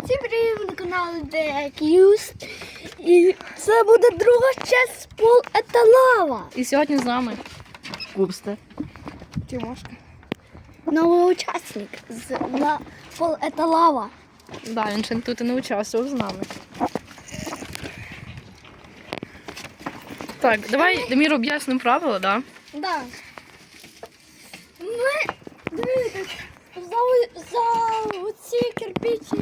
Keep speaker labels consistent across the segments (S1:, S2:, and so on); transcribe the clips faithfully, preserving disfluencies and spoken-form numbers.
S1: Всім привіт на каналі Дек'юз. І це буде друга часть Пол это лава.
S2: І сьогодні з нами Кубсте.
S1: Тимошка. Новий учасник з на Пол это лава.
S2: Да, він ще тут і не участвував з нами. Так, давай, Демір, об'яснимо правила, да?
S1: Да. Ми, дивіться, за, за оці кирпичні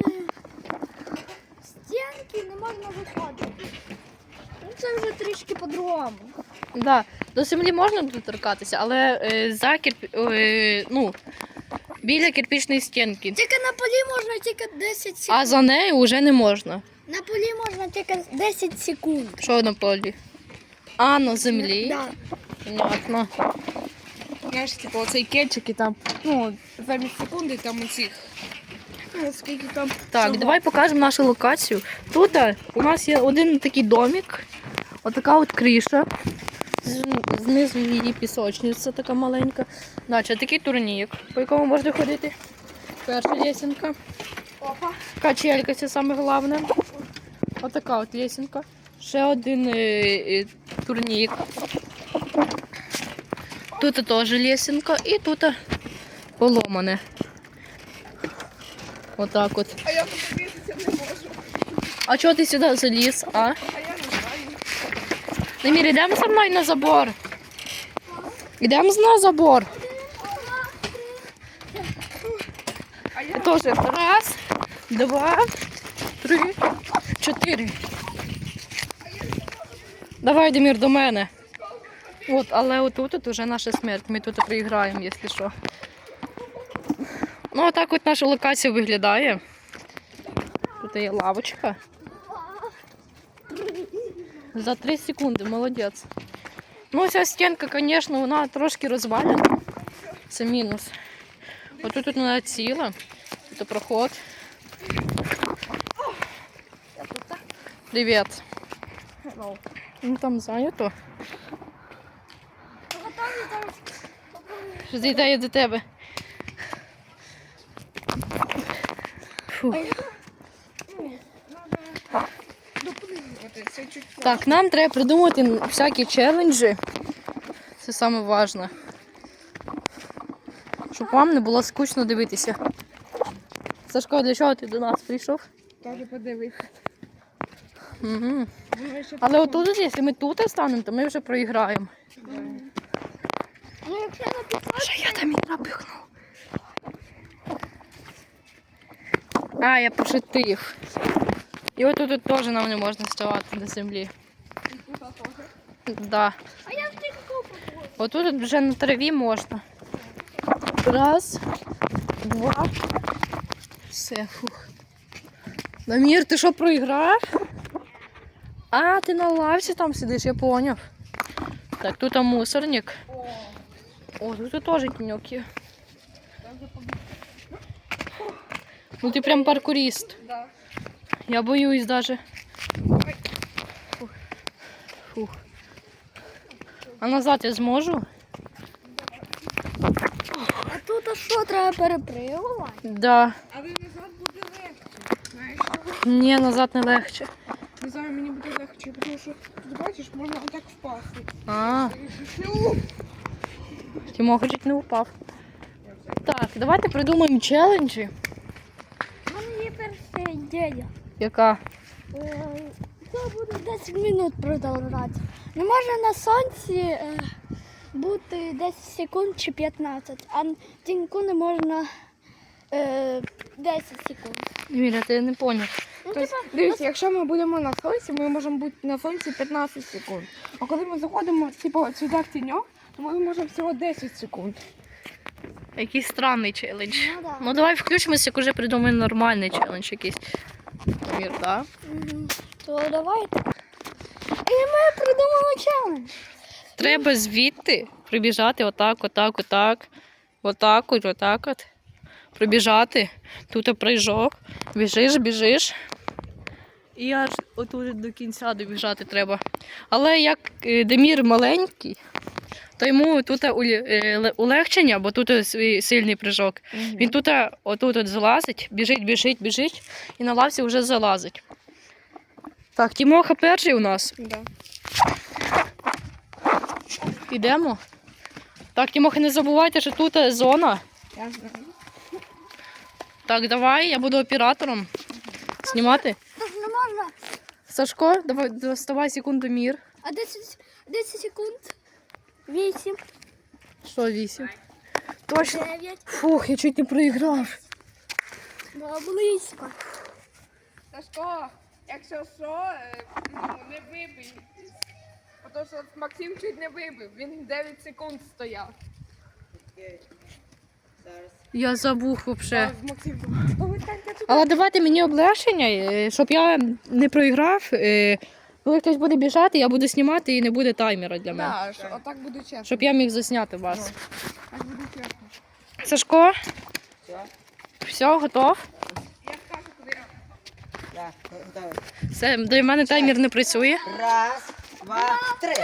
S1: стінки не можна виходити. Ну, це вже трішки по-другому.
S2: Да, до землі можна доторкатися, але е, за кирпі... е, ну, біля кирпічної стінки.
S1: Тільки на полі можна тільки десять секунд.
S2: А за нею вже не можна.
S1: На полі можна тільки десять секунд.
S2: Що на полі? А, на землі?
S1: Да.
S2: Понятно.
S3: Знаєш, типу, оцей кетчик і там, ну, замість секунди там усіх. Ну, скільки там.
S2: Так,
S3: всього.
S2: давай покажемо нашу локацію. Тут е, у нас є один такий домик, отака от криша. З- Знизу її пісочниця така маленька. Далі такий турнік, по якому можна ходити. Перша лесенка.
S1: Опа.
S2: Качелька, це саме головне. Отака от лесенка. Ще один е, е, турнік. Тут теж лесенка і тут поломане. Отак от.
S3: А я подивитися не можу.
S2: А чого ти сюди заліз, а?
S3: А я не знаю.
S2: Немір, йдемо за мною на забор. Йдемо на забор.
S3: А я
S2: Тоже раз, два, три, чотири. Давай, Демір, до мене. От, але отут от уже наша смерть. Ми тут проіграємо, якщо що. Ну, отак от наша локація виглядає. Тут є лавочка. За три секунди, молодець. Ну, ця стінка, звісно, вона трошки розвалена. Це мінус. Отут тут вона ціла. Тут проход. Привіт. Ну там зайнято. Що зійдає до тебе? Фу.
S3: це чуть.
S2: Так, нам треба придумати всякі челенджі. Це саме важливе. Щоб вам не було скучно дивитися. Сашко, для чого ти до нас прийшов?
S3: Каже, подивися.
S2: Угу.
S3: Думаю, що
S2: Але отут, якщо ми тут станемо, то ми вже проіграємо.
S1: Ну, якщо на пісочку,
S2: Що я там і напихнув? А, я пошутив. І отут тут теж нам не можна ставати до землі. Да.
S1: а я втік купу.
S2: Отут вже на траві можна. Раз, два. Все, фух. Намір, ти що проіграв? А, ти на лавці там сидиш, я поняв. Так, тут там мусорник. О, тут теж тіньок є. Ну ти прям паркурист.
S3: Да.
S2: Я боюсь даже. Фух. Фух. А назад я зможу?
S1: А тут а що, треба перепригувати?
S2: Да.
S3: Але назад буде легше. Знаєш чого?
S2: Ні, назад не легше.
S3: Не знаю, мені буде легше, тому що тут бачиш, можна отак впасти.
S2: А,
S3: Ну,
S2: Тимоха чуть не упав. Так, давайте придумаємо челенджі.
S1: У мене є перша ідея.
S2: Яка?
S1: Е, Це буде десять минут продовжувати. Не може на сонці е, бути десять секунд чи п'ятнадцять, а на тіньку не можна е, десять секунд.
S2: Міля, ти не поняв.
S1: Ну,
S3: тобто, дивіться, якщо ми будемо на сонці, ми можемо бути на сонці п'ятнадцять секунд. А коли ми заходимо типу, сюди в тіньок, то ми можемо всього десять секунд.
S2: Який странний челендж.
S1: Ну, да.
S2: Ну давай включимося, як уже придумаємо нормальний челендж якийсь. Мір, так?
S1: Мгм. То давайте. І ми придумали челендж.
S2: Треба звідти прибіжати отак, отак, отак, отак, от, отак от. Пробіжати. Тут прыжок. Біжиш, біжиш. І аж отут до кінця добіжати треба. Але як е, Демір маленький, то йому тут улі- е, ле- улегчення, бо тут свій сильний прыжок. Він тут отут от залазить, біжить, біжить, біжить і на лавці вже залазить. Так, Тімоха перший у нас.
S3: Да.
S2: Ідемо. Так, Тімоха, не забувайте, що тут зона.
S3: Я знаю.
S2: Так, давай, я буду оператором. Знімати.
S1: Так не можна.
S2: Сашко, давай, доставай секундомір.
S1: А десять, десять секунд. вісім,
S2: Що, вісім? Точно.
S1: дев'ять.
S2: Фух, я чуть не проіграв.
S1: Було близько.
S3: Сашко, якщо що, е, ну, не вибий. Тому що Максим чуть не вибив, він дев'ять секунд стояв.
S2: Я забув взагалі.
S3: А Максим, повертайте туди.
S2: Але давайте мені облегшення, е, щоб я не проіграв. е, Коли хтось буде біжати, я буду знімати і не буде таймера для мене.
S3: Да, що, отак буде чесно.
S2: Щоб я міг засняти вас.
S3: Так буде чесно.
S2: Сашко? Все, готов?
S3: Я скажу, куди я.
S4: Так, готовий.
S2: Все, для мене таймер не працює.
S4: Раз, два, три.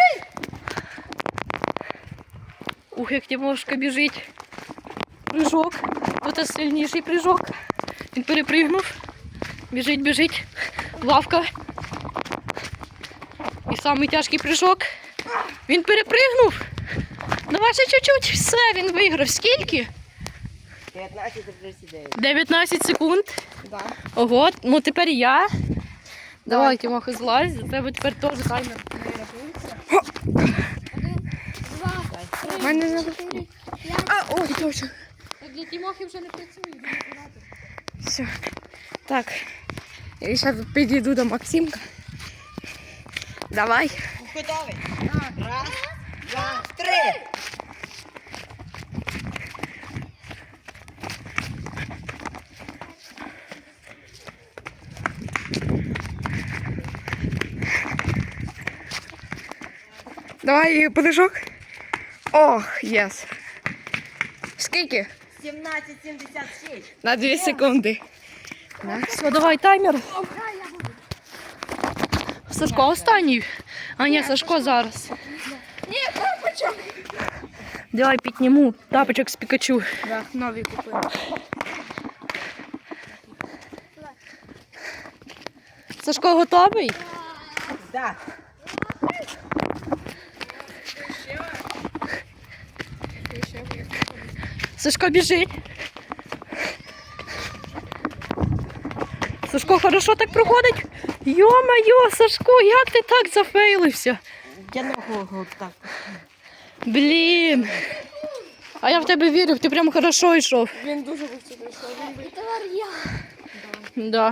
S2: Ух, як Тимошка біжить. Прыжок. Тут сильніший прыжок. Він перепригнув. Біжить, біжить. Лавка. І самий тяжкий прыжок. Він перепригнув. Давай ще чуть-чуть. Все, він виграв. Скільки?
S4: дев'ятнадцять тридцять дев'ять.
S2: дев'ятнадцять секунд.
S3: Да.
S2: Ого, ну тепер я. Давай, Тимоха, злазь. За тебе тепер теж таймер не рахується.
S1: Два, три,
S3: У мене не
S1: чотири, п'ять.
S3: А, ой, точно.
S2: Для Тимохи вже не працює.
S3: Все. Так. Я зараз підійду до Максимка. Давай.
S4: Готовий? Раз, два, три.
S3: Давай подишок. Ох, єс. Скільки?
S4: сімнадцять сімдесят шість.
S3: На дві секунди.
S2: Все, давай таймер. Сашко останній. А ні, Сашко зараз.
S3: Ні, тапочок.
S2: Давай підніму тапочок з Пікачу.
S3: Да, нові купили.
S2: Сашко готовий?
S4: Так.
S2: Сашко біжить. Сашко хорошо так проходить. Йо-моє, Сашко, як ти так зафейлився?
S4: Я ногу так.
S2: Блін. А я в тебе вірю, ти прям хорошо йшов.
S3: Він дуже швидко прийшов. Він
S1: І тепер я.
S2: Да.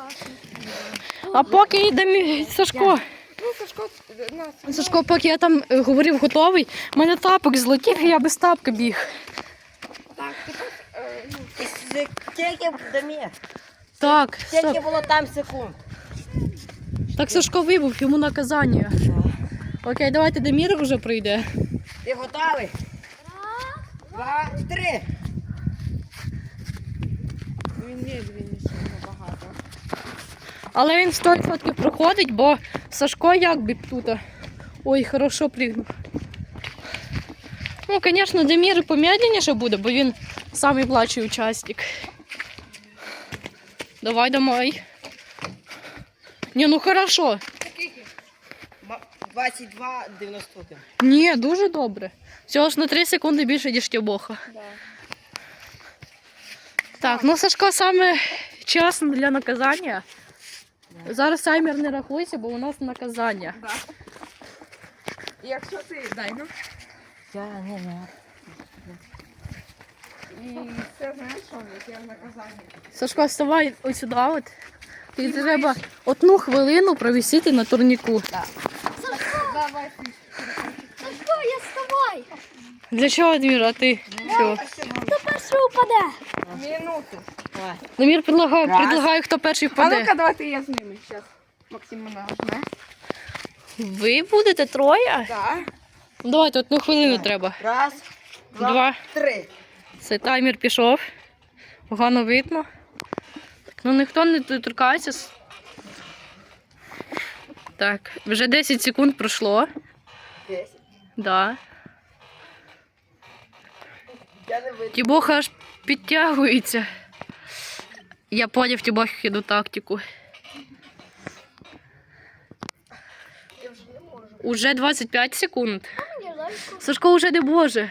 S2: А поки йде мій Сашко.
S3: Ну, Сашко, нас.
S2: Сашко, поки я там е, говорив готовий, в мене тапок злетів, і я без тапка біг.
S3: Так, тепер, е, ну,
S4: Скільки Дамір?
S2: Так,
S4: Скільки
S2: стоп.
S4: було там секунд?
S2: Так Сашко вибув, йому наказання. Окей, давайте Демір вже прийде.
S4: Ти готовий? Два, три.
S3: він медленніше набагато.
S2: Але він сто відсотків проходить, бо Сашко як би тут. Ой, хорошо пригнув. Ну, звісно, Демір помедленніше буде, бо він самий младший учасник. Давай, давай. Ні, ну хорошо.
S3: Скільки?
S4: двадцять два дев'яносто один.
S2: Ні, дуже добре. Всього ж на три секунди більше, ніж Тібоха.
S3: Да.
S2: Так, ну Сашко саме чесно для наказання. Зараз таймер не рахуйся, бо у нас наказання.
S3: Да. І якщо ти дай, ну.
S4: Я не знаю.
S3: І це знаєш, що яке наказання.
S2: Сашко, вставай ось сюди. От. Тобі треба одну хвилину провісити на турніку.
S3: Давай ти.
S1: Сашко, я з тобою.
S2: Для чого, Адмір, а ти? Чого?
S1: Хто перший упаде?
S3: Минуту.
S4: Давай.
S2: Дамір предлагає,
S4: Раз.
S2: предлагає, хто перший
S3: А
S2: впаде.
S3: ну-ка, давайте я з ними зараз. Максим мене нажме.
S2: Ви будете троє?
S3: Так.
S2: Ну, давайте одну хвилину треба.
S4: Раз, два,
S2: Два.
S4: три.
S2: Це таймер пішов. Погано видно. Так, ну ніхто не торкається. Так, вже десять секунд пройшло.
S4: Десять.
S2: Да.
S4: Я не видно.
S2: Тібоха аж підтягується. Я поняв Тібохіну тактику.
S3: Я вже не можу.
S2: Уже двадцять п'ять секунд.
S1: Мені легко.
S2: Сашко вже не може.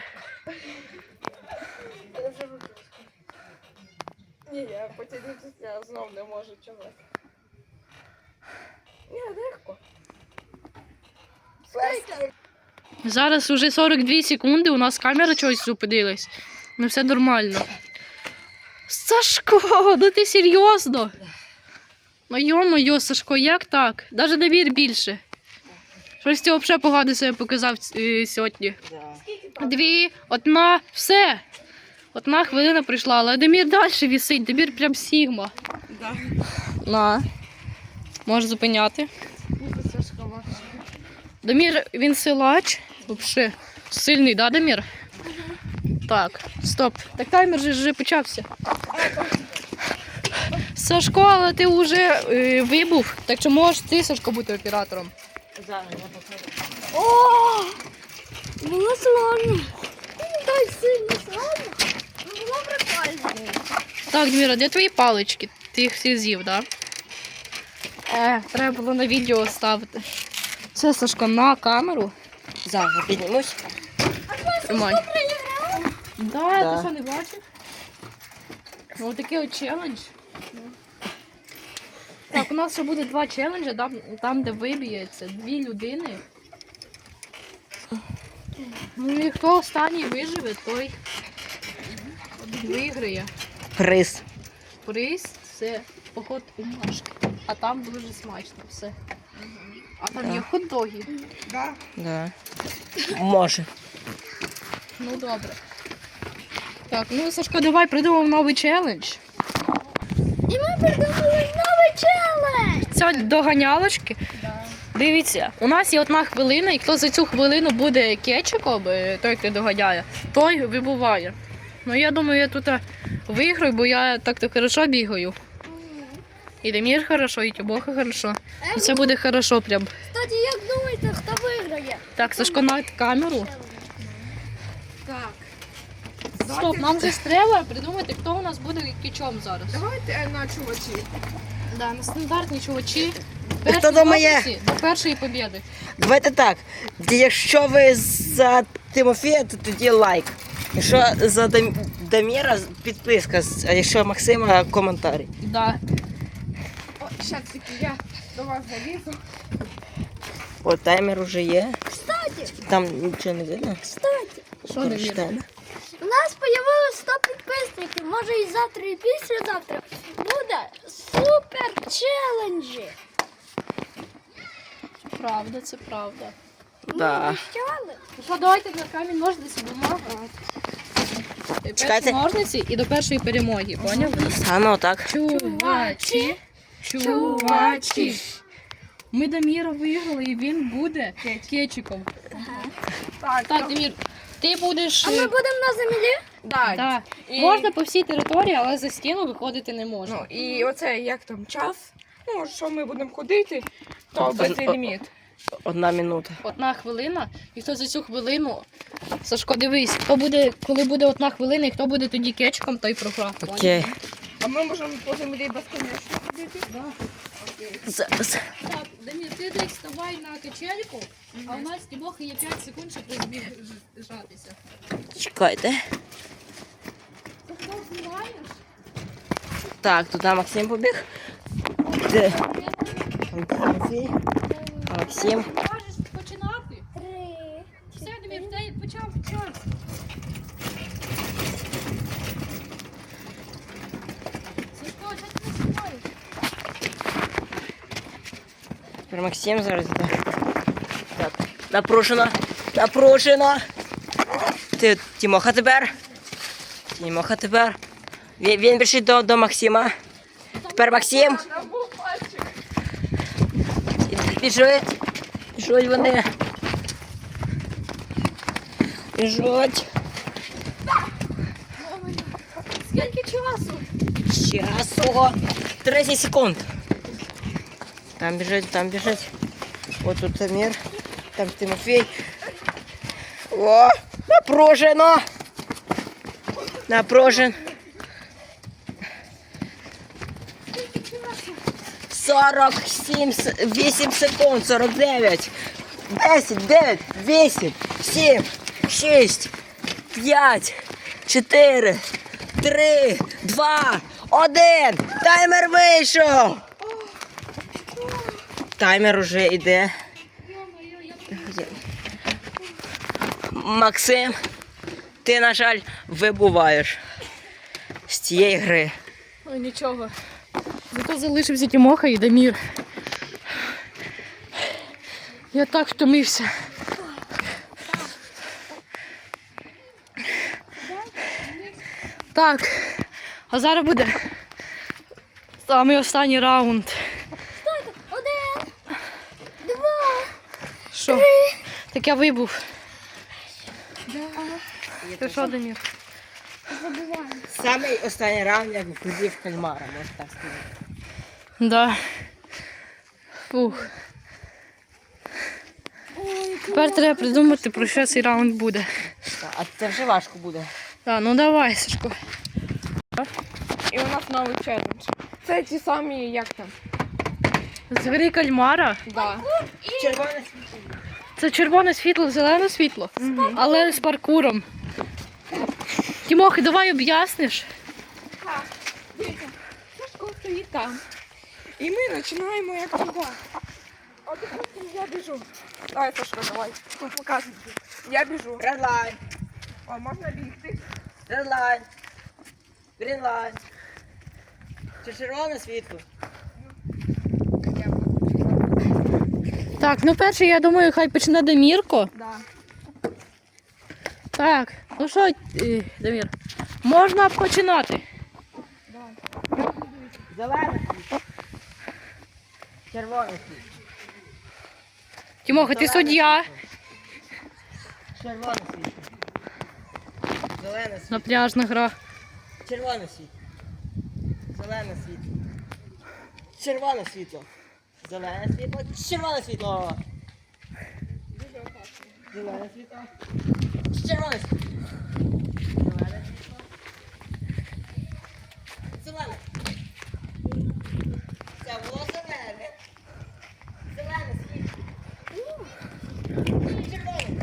S3: Я вже виключу. Ні, я потягнутися я знов не можу чогось. Ні, легко.
S2: Зараз уже сорок дві секунди, у нас камера чогось зупинилась. Ну все нормально. Сашко, ну ти серйозно? Ну йо-моє, Сашко, як так? Навіть Дамір більше. Щось ти взагалі погано себе показав е, сьогодні.
S4: Да.
S2: Дві, одна, все. Одна хвилина прийшла, але Дамір далі вісить, Дамір прям сігма.
S3: Да.
S2: На. Можеш зупиняти.
S3: Бути Сашко важко.
S2: Дамір, він силач. Взагалі. Сильний, да, Дамір? Так, стоп. Так таймер же вже почався. Сашко, але ти вже е, вибув. Так що можеш ти, Сашко, бути оператором.
S4: Зараз я покажу.
S1: О! Було сложно. Не так сильно сложно. Ну, було прикольно.
S2: Так, Даміра, де твої палички? Ти їх всі з'їв, так? Да? Е, треба було на відео ставити. Це, Сашко, на камеру.
S4: Зараз піднімусь.
S2: Тримай. Да,
S4: Да.
S2: ти що не бачив? Ну, такий от челендж. Так, у нас ще буде два челенджі, там, там де виб'ється дві людини. Ну і хто останній виживе, той виграє.
S4: Приз.
S2: Приз це поход у Машки. А там дуже смачно все. А там є хот-доги.
S3: Да.
S4: Да. Може.
S2: Ну добре. Так, ну Сашко, давай придумав новий челендж.
S1: І ми придумали новий челендж.
S2: Це доганялочки. Дивіться, у нас є одна хвилина, і хто за цю хвилину буде кетчиком, е, той, хто доганяє, той вибуває. Ну я думаю, я тут е, виграю, бо я так-то хорошо бігаю. І Дамір хорошо, і Тібоха хорошо. Ну, це буде хорошо прям.
S1: Кстати, як думаєте, хто виграє?
S2: Так, Сашко, на камеру.
S3: Так.
S2: Стоп, нам же ж треба придумати, хто у нас буде кетчом зараз.
S3: Давайте е, на чувачі.
S2: Да, на стандартні чувачі.
S4: Хто
S2: Перші
S4: думає?
S2: ножниці до першої побєди.
S4: Давайте так. Якщо ви за Тимофія, то тоді лайк. Якщо за Дам... Даміра, підписка. А якщо Максима, коментарі.
S2: Да.
S3: О, ще таки я до вас залізу.
S4: О, таймер уже є.
S1: Кстати,
S4: Там нічого не видно.
S1: кстати,
S2: Що Дамір?
S4: Прочитаємо.
S1: у нас появилось сто підписників. Може і завтра, і післязавтра буде супер челенджі.
S2: Правда, це правда.
S4: Да.
S1: Ми обіцяли.
S2: Ну що, давайте на камінь ножниці бумага. Перші
S4: Чекайте.
S2: ножниці і до першої перемоги, поняв?
S4: А ну так.
S2: Чувачі, чувачі. Ми Даміра виграли і він буде кетчиком.
S3: Так,
S2: Так, Дамір, ти будеш...
S1: А ми будемо на землі?
S3: да.
S2: Да.
S3: І-
S2: Можна по всій території, але за стіну виходити не можна.
S3: Ну, і оце як там час. Ну, що ми будемо ходити, то
S4: Тобто,
S3: без
S4: о-
S3: ліміт.
S4: Одна минута.
S2: Одна хвилина, і хто за цю хвилину... Сашко, дивись, хто буде, коли буде одна хвилина, і хто буде тоді кетчиком, той програв. поняв?
S4: Окей.
S3: А ми можемо по землі безконечно ходити? Да. Окей.
S4: Зараз.
S2: Так, Дамір, ти десь вставай на качельку, а у нас Тібоха є п'ять секунд, щоб розбіжатися.
S4: Чекайте.
S2: Ти хто знімаєш?
S4: Так, туди Максим побіг. Де? Там Тимофій. Максим.
S2: Можеш починати?
S1: Три.
S2: Все, Дамір, в тебе почав час. Сашко, що ти не знімаєш?
S4: Тепер Максим зараз йде. Так. Напружено. Напружено. Ти, Тимоха тепер. Тимоха тепер. Він, він біжить до, до Максима. Тепер Максим.
S3: Там був пальчик.
S4: Біжуть. Біжуть вони. Біжуть.
S2: Скільки часу?
S4: Часу. тридцять секунд. Там біжить, там біжить. Ось тут Самір. Там Тимофій. О, напружено. Напружен. сорок сім, вісім секунд, сорок дев'ять, десять, дев'ять, вісім, сім, шість, п'ять, чотири, три, два, один. Таймер вийшов. Таймер уже йде. Максим, ти, на жаль, вибуваєш з цієї гри.
S2: Ой, нічого. Зато залишився Тімоха і Дамір. Я так втомився. Так, а зараз буде самий останній раунд.
S1: Один, два,
S2: Що? Так я вибув. Ти що, Дамір?
S1: забуваємо.
S4: Самий останній раунд, як входив кальмара, можна так сказати.
S2: Да. Фух.
S1: Ой,
S2: Тепер треба придумати, про що цей раунд буде.
S4: А це вже важко буде.
S2: Так, ну давай, Сашко.
S3: І у нас новий челендж. Це ті самі, як там?
S2: Звери кальмара.
S3: Да.
S4: Червоне світло.
S2: Це червоне світло, зелене світло, але з паркуром. Тімохи, давай об'ясниш.
S3: Так, дивіться, Сашко стоїть там. І ми починаємо як туди. От, допустим, я біжу. Давай, Сашко, давай. Показуй. Я біжу.
S4: Red line,
S3: О, можна бігти.
S4: red line, green line. Це червоне світло.
S3: Я буду.
S2: Так, ну перше, я думаю, хай почне Дамірко.
S3: Да.
S2: Так, ну що, е, Дамір, можна починати.
S4: Зелене світло. Червоне світло.
S2: Тімоха, ти суддя.
S4: Червоне світло. Зелене світло.
S2: Напряжна гра.
S4: Червоне світло. Зелене світло. Червоне світло. Зелене світло. Червоне світло. Зелене світло. Червоне світло. Зелене світло. Зелене. Це було зелене. Зелене світло. Червоне.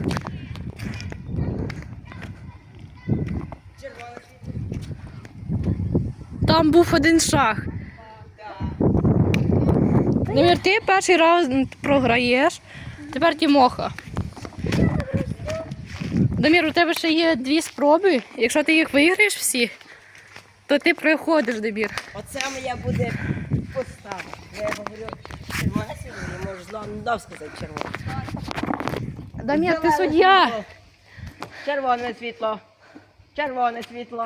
S4: Червоне світло.
S2: Там був один шаг. Дамір, ти перший раунд програєш. Тепер Тімоха. Дамір, у тебе ще є дві спроби. Якщо ти їх виграєш всі, то ти проходиш, Дамір.
S4: Оце моя буде постава. Я говорю, червоне світло, я можу знову сказати червоне.
S2: Дамір, ти
S4: Зелене
S2: суддя.
S4: світло. Червоне світло. Червоне світло.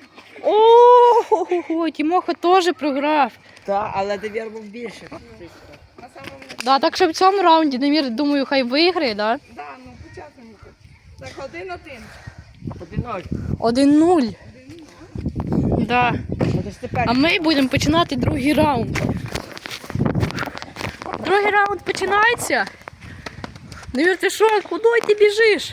S2: О, Тімоха теж програв.
S4: Так, але довір був більше.
S3: На самому
S2: Да, так що в цьому раунді Дамір, думаю, хай виграє, да?
S3: Да, ну початку. Так, один-один.
S4: Один-ноль.
S2: один нуль. Да.
S4: От ж тепер.
S2: А ми будемо починати другий раунд. Другий раунд починається. Дамір, ти що? Куди ти біжиш?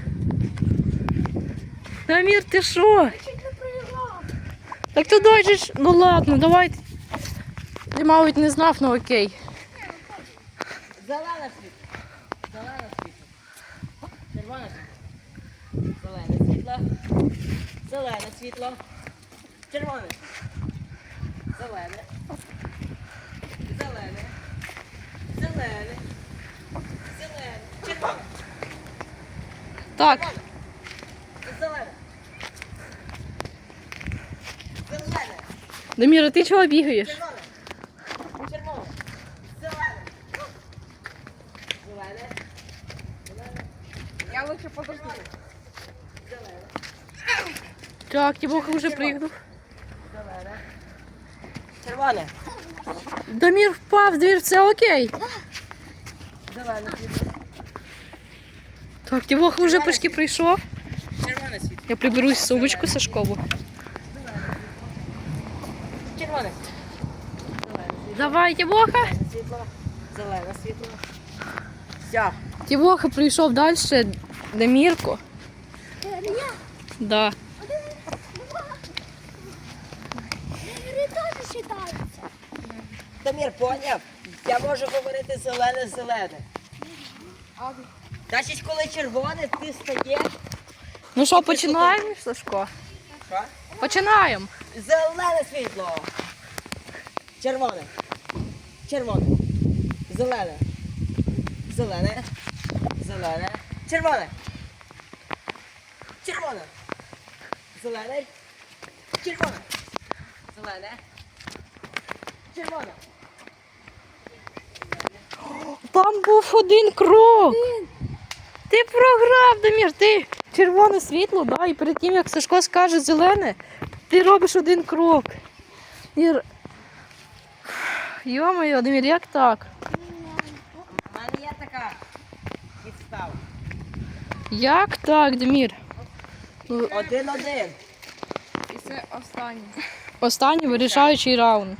S2: Дамір, ти що? Так ти дойдеш. Ну ладно, давай. Ти, мабуть, не знав, ну окей.
S4: Зелене світло. Зелене світло. Червоне світло. Зелене світло. Зелене світло. Червоне. Зелене. Зелене. Зелене. Зелене. Червоне.
S2: Так,
S4: Зелене. Зелене.
S2: Дамір, а ти чого бігаєш?
S4: Червоне. Червоне. Зелене. Зелене. Зелене.
S3: Я лучше подожду.
S4: Зелене.
S2: Так, Тімоха вже пригнув.
S4: Зелене. Червоне.
S2: Дамір впав, двір, все окей.
S4: Зелене світло.
S2: Так, Тімоха вже почти прийшов.
S4: Червоне світло.
S2: Я приберусь сумочку Сашкову.
S4: Червоне. Зелене
S2: Давай, Тімоха.
S4: світло. Зелене світло. Все.
S2: Тімоха прийшов далі. Дамірко.
S1: Я
S2: Да.
S1: два,
S4: Ні, я можу говорити зелене-зелене.
S3: А,
S4: Значить, коли червоне, ти стаєш.
S2: Ну що, починаємо, Сашко?
S4: Що?
S2: Починаємо.
S4: Зелене світло. Червоне. Червоне. Зелене. Зелене. Зелене. Червоне. Червоне. Зелене. Червоне. Зелене. Червоне.
S2: Там був один крок. Ти програв, Дамір, ти червоне світло, да? І перед тим, як Сашко скаже зелене, ти робиш один крок. І... р- Йо-моє, Дамір, як так?
S4: У мене є така підстава.
S2: Як так, Дамір?
S4: Один-один.
S3: і це останнє.
S2: Останній вирішаючий раунд.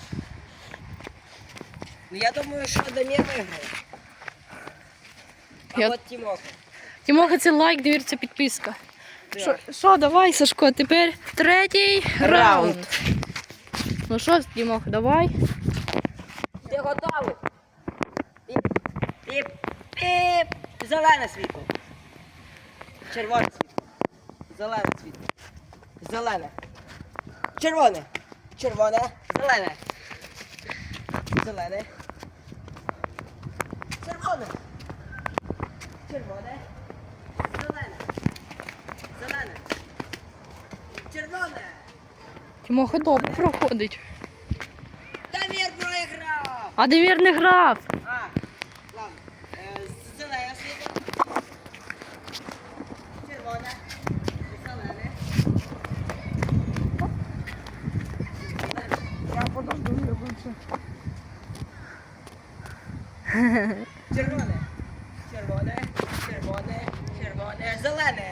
S4: Ну я думаю, що Дамір виграє. А
S2: Я-
S4: от Тімоха.
S2: Тімоха, це лайк, Дамір, це підписка.
S4: Так.
S2: Що, що, давай, Сашко, тепер третій раунд.
S4: Раунд.
S2: Ну що, Тімоха, давай.
S4: Ти готовий? Піп, піп, піп. Зелене світло. Червоне світло. Зелене світло. Зелене. Червоне. Червоне. Зелене. Зелене. Червоне. Червоне. Зелене. Зелене. Червоне.
S2: Тімоха добре проходить.
S4: Дамір проіграв.
S2: А Дамір не грав.
S4: А, ладно. Е, Зелене світло. Червоне. Зелене.
S3: Я подожду, я лучше.
S4: Червоне. Червоне. Червоне. Червоне. Зелене.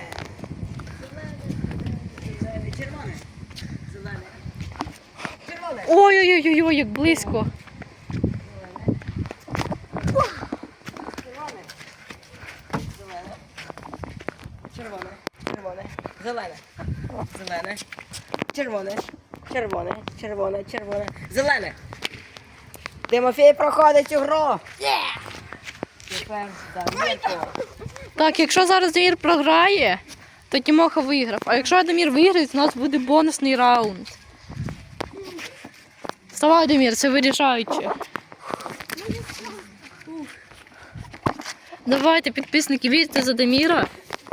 S4: Зелене. Червоне. Зелене. Червоне.
S2: Ой-ой-ой, як близько.
S4: Червоне. Зелене. Червоне. Червоне. Зелене. Зелене. Червоне. Червоне. Червоне. Червоне. Зелене. Тимофій проходить цю гру. Тепер Дамірко.
S2: Так, якщо зараз Дамір програє, то Тімоха виграв. А якщо Дамір виграє, то у нас буде бонусний раунд. Вставай, Дамір, це вирішаюче. Давайте, підписники, вірте за Даміра.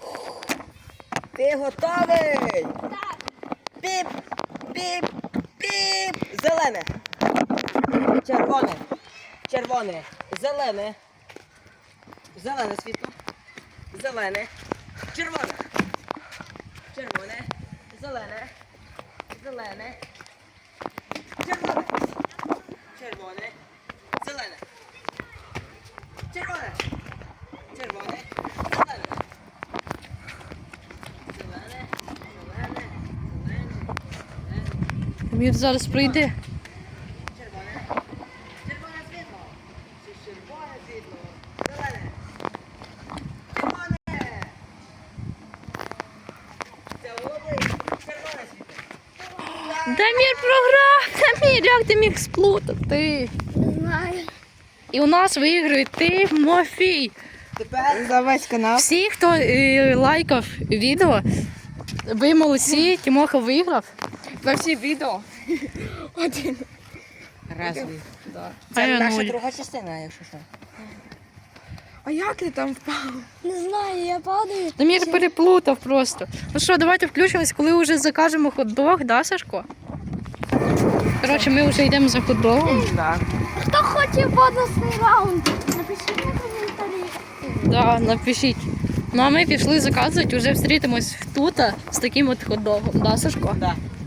S4: Ти готовий? Так. Піп, піп, піп. Зелене. Червоне. Червоне. Зелене. Зелене світло. Зелене. Червоне. Червоне. Зелене. Зелене. Червоне. Червоне. Зелене. Червоне. Червоне. Зелене. Зелене. Зелене. Зелене.
S2: Дамір зараз прийде.
S4: Червоне. Червоне світло. Чи червоне світло. Зелене. Червоне. Це голубий. Червоне світло.
S2: Дамір програв! Дамір, як ти міг сплутати?
S1: Не знаю.
S2: І у нас виграє Тимофій.
S4: Тепер
S3: За весь канал.
S2: Всі, хто е, лайкав відео, ви молодці, Тимоха виграв.
S3: За всі відео. Один.
S4: Разві.
S3: Да.
S2: А
S4: Це
S2: я
S4: наша
S2: нуль.
S4: друга частина, якщо що.
S3: А як ти там впав?
S1: Не знаю, я падаю.
S2: Дамір переплутав просто. Ну що, давайте включимось, коли вже закажемо хот-дог, да, Сашко? Коротше, ми вже йдемо за хот-догом.
S4: Так.
S1: Хто хоче бонусний раунд? Напишіть на коментарі.
S2: Да, напишіть. Ну а ми пішли заказувати, вже зустрітимось тут з таким от хот-догом, да, Сашко?
S4: Так.